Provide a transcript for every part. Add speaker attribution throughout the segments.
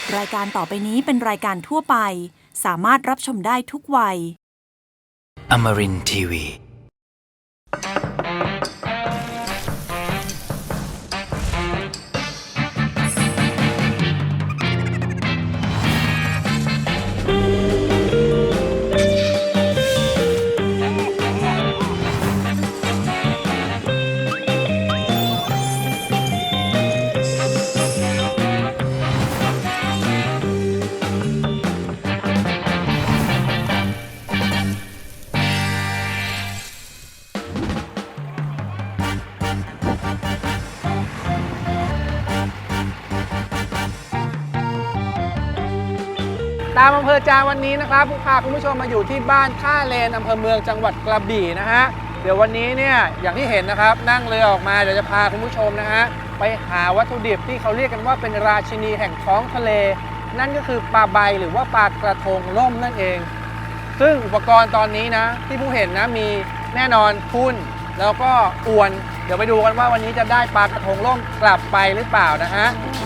Speaker 1: รายการต่อไปนี้เป็นรายการทั่วไปสามารถรับชมได้ทุกวัย
Speaker 2: Amarin Tiwi.
Speaker 3: ตามอำเภอจาวันนี้นะครับพาคุณผู้ชมมาอยู่ที่บ้านท่าเลนอำเภอเมืองจังหวัดกระบี่นะฮะเดี๋ยววันนี้เนี่ยอย่างที่เห็นนะครับนั่งเรือออกมาเดี๋ยวจะพาคุณผู้ชมนะฮะไปหาวัตถุดิบที่เขาเรียกกันว่าเป็นราชินีแห่งท้องทะเลนั่นก็คือปลาใบหรือว่าปลากระทงร่มนั่นเองซึ่งอุปกรณ์ตอนนี้นะที่ผู้เห็นนะมีแน่นอนทุ่นแล้วก็อวนเดี๋ยวไปดูกันว่าวันนี้จะได้ปลากระทงร่มกลับไปหรือเปล่านะฮะ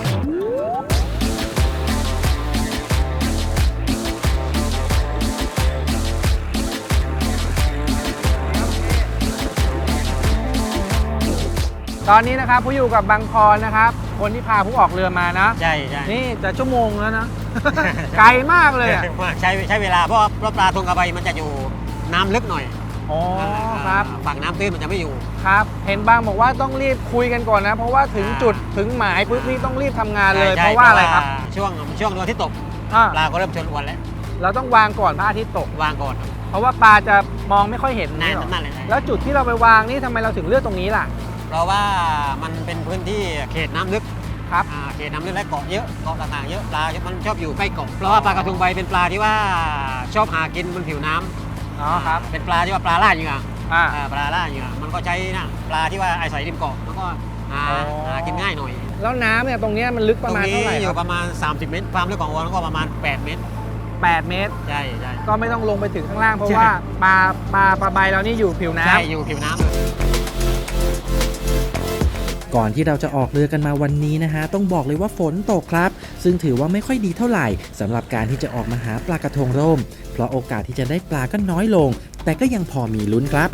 Speaker 3: ตอนนี้นะครับผู้อยู่กับบางพรนะครับคนที่พาผู้ออกเรือมานะ
Speaker 4: ใช่
Speaker 3: นี่จะชั่วโมงแล้วนะ ไกลมากเลย
Speaker 4: ใช้เวลาเพราะปลาทงกระใบมันจะอยู่น้ำลึกหน่อย
Speaker 3: อ๋อครับ
Speaker 4: ฝั่งน้ำตื้นมันจะไม่อยู่
Speaker 3: ครับเห็นบางบอกว่าต้องรีบคุยกันก่อนนะเพราะว่าถึงจุดถึงหมายปุ๊บนี่ต้องรีบทำงานเลยเพราะว่าอะไรครับ
Speaker 4: ช่วงดวงอาทิตย์ตกปลาก็เริ่มชนอวนแล้ว
Speaker 3: เราต้องวางก่อนพระอาทิตย์ตก
Speaker 4: วางก่อน
Speaker 3: เพราะว่าปลาจะมองไม่ค่อยเห็น
Speaker 4: นั่นเลย
Speaker 3: แล้วจุดที่เราไปวางนี่ทำไมเราถึงเลือกตรงนี้ล่ะ
Speaker 4: เพราะว่ามันเป็นพื้นที่เขตน้ำลึก
Speaker 3: ครับ
Speaker 4: เขตน้ำลึกและเกาะเยอะเกาะต่างๆเยอะปลามันชอบอยู่ใกล้เกาะเพราะว่าปลากระทงใบเป็นปลาที่ว่าชอบหากินบนผิวน้
Speaker 3: ำอ๋อครับ
Speaker 4: เป็นปลาที่ว่าปลาล่าเหยื่อปลาล่าเหยื่อมันก็ใช้นะปลาที่ว่าอาศัยริมเกาะแล้วก็หากินง่ายหน่อย
Speaker 3: แล้วน้ำเนี่ยตรงนี้มันลึกประมาณเท่าไหร่
Speaker 4: อยู่ประมาณ30 เมตรความลึกของอวนก็ประมาณ8 เมตร
Speaker 3: 8 เมตร
Speaker 4: ใช่
Speaker 3: ก็ไม่ต้องลงไปถึงข้างล่างเพราะว่าปลาใบเรานี่อยู่ผิวน้ำ
Speaker 4: ใช่อยู่ผิวน้ำเลย
Speaker 5: ก่อนที่เราจะออกเรือกันมาวันนี้นะฮะต้องบอกเลยว่าฝนตกครับซึ่งถือว่าไม่ค่อยดีเท่าไหร่สำหรับการที่จะออกมาหาปลากระทงร่มเพราะโอกาสที่จะได้ปลาก็น้อยลงแต่ก็ยังพอมีลุ้นครับ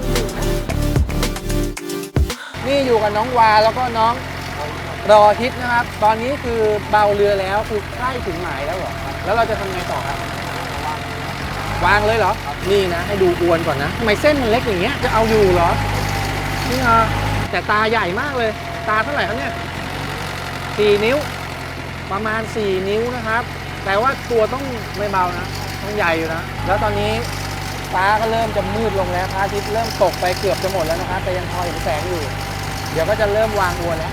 Speaker 3: นี่อยู่กับน้องวาแล้วก็น้องรอทิศนะครับ ตอนนี้คือเบาเรือแล้วคือใกล้ถึงหมายแล้วเหรอครับแล้วเราจะทำไงต่อครับวางเลยเหรอนี่นะให้ดูอวนก่อนนะทำไมเส้นมันเล็กอย่างเงี้ยจะเอาอยู่เหรอนี่แต่ตาใหญ่มากเลยตาเท่าไหร่ครับเนี่ย4 นิ้วประมาณ4 นิ้วนะครับแต่ว่าตัวต้องไม่เบานะต้องใหญ่อยู่นะแล้วตอนนี้ฟ้าก็เริ่มจะมืดลงแล้วพระอาทิตย์เริ่มตกไปเกือบจะหมดแล้วนะครับแต่ยังพอเห็นแสงอยู่เดี๋ยวก็จะเริ่มวางอวนแล้ว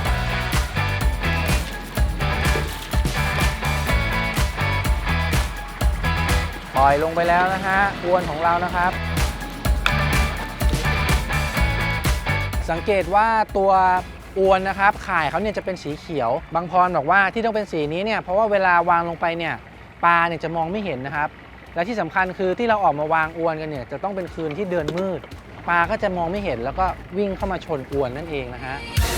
Speaker 3: ปล่อยลงไปแล้วนะฮะอวนของเรานะครับสังเกตว่าตัวอวนนะครับข่ายเขาเนี่ยจะเป็นสีเขียวบางพรบอกว่าที่ต้องเป็นสีนี้เนี่ยเพราะว่าเวลาวางลงไปเนี่ยปลาเนี่ยจะมองไม่เห็นนะครับและที่สำคัญคือที่เราออกมาวางอวนกันเนี่ยจะต้องเป็นคืนที่เดือนมืดปลาก็จะมองไม่เห็นแล้วก็วิ่งเข้ามาชนอวนนั่นเองนะฮะ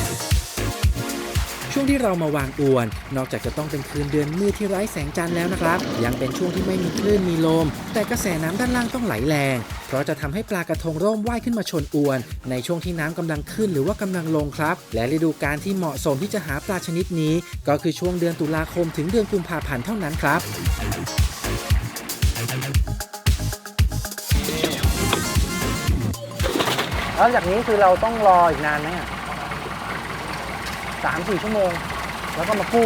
Speaker 5: ช่วงที่เรามาวางอวนนอกจากจะต้องเป็นคืนเดือนมืดที่ไร้แสงจันทร์แล้วนะครับยังเป็นช่วงที่ไม่มีคลื่นมีลมแต่กระแสน้ำด้านล่างต้องไหลแรงเพราะจะทำให้ปลากระทงร่มว่ายขึ้นมาชนอวนในช่วงที่น้ำกำลังขึ้นหรือว่ากำลังลงครับและฤดูกาลที่เหมาะสมที่จะหาปลาชนิดนี้ก็คือช่วงเดือนตุลาคมถึงเดือนกุมภาพันธ์เท่านั้นครับ
Speaker 3: แล้วจากนี้คือเราต้องรออีกนานไหม3-4 ชั่วโมงแล้วก็มากู้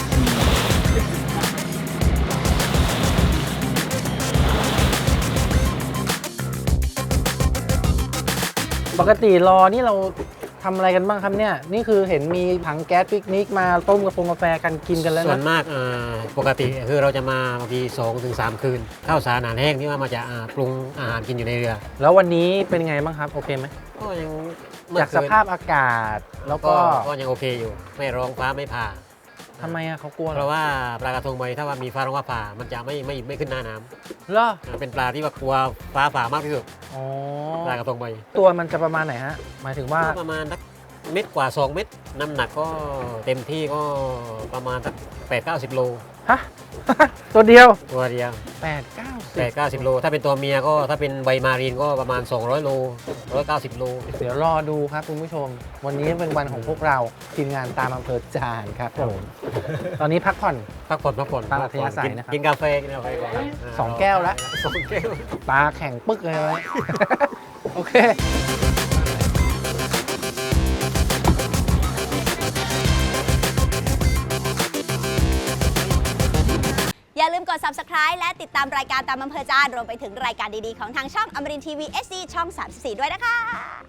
Speaker 3: ปกติรอนี่เราทำอะไรกันบ้างครับเนี่ยนี่คือเห็นมีถังแก๊สปิกนิกมาต้มกาแฟกันกินกันแล้วนะ
Speaker 4: ส่วนมากปกติคือเราจะมาบางที2-3 คืนข้าวสารอาหารแห้งที่ว่ามาจะปรุงอาหารกินอยู่ในเรือ
Speaker 3: แล้ววันนี้เป็นไงบ้างครับโอเคไหม
Speaker 4: ก็ยัง
Speaker 3: จากสภาพอากาศแล้วก็
Speaker 4: ยังโอเคอยู่ไม่ร้องฟ้าไม่ผ่า
Speaker 3: ทำไมเขากลัว
Speaker 4: เพราะว่าปลากระทงใบถ้าว่ามีฟ้าร้องฟ้าผ่ามันจะไม่ขึ้นหน้าน้
Speaker 3: ำเหรอ
Speaker 4: เป็นปลาที่ว่ากลัวฟ้าผ่ามากที่สุดปลากระทงใบ
Speaker 3: ตัวมันจะประมาณไหนฮะหมายถึงว่า
Speaker 4: ประมาณสักเม็ดกว่า2 เม็ดน้ำหนักก็เต็มที่ก็ประมาณสัก8-90 โล
Speaker 3: ฮะ ตัวเดียว
Speaker 4: ตัวเดียว
Speaker 3: 8-90
Speaker 4: 8-90 โล ถ้าเป็นตัวเมียก็ถ้าเป็นใบมารีนก็ประมาณ200 โล190 โล
Speaker 3: เดี๋ยวรอดูครับคุณผู้ชม วันนี้เป็นวันของพวกเราทีมงานตามอำเภอจานครับผม ตอนนี้พักผ่อน
Speaker 4: พักผ่อน
Speaker 3: ตามอัธยาศัยนะครับ
Speaker 4: กินกาแฟก่อนครับ
Speaker 3: 2 แก้วแล้ว
Speaker 4: 2 แก้ว
Speaker 3: ตาแข็งปึ๊กเลย โอเค
Speaker 6: อย่าลืมกด Subscribe และติดตามรายการตามอำเภอจานรวมไปถึงรายการดีๆของทางช่องอมรินทีวี SD ช่อง 34 ด้วยนะคะ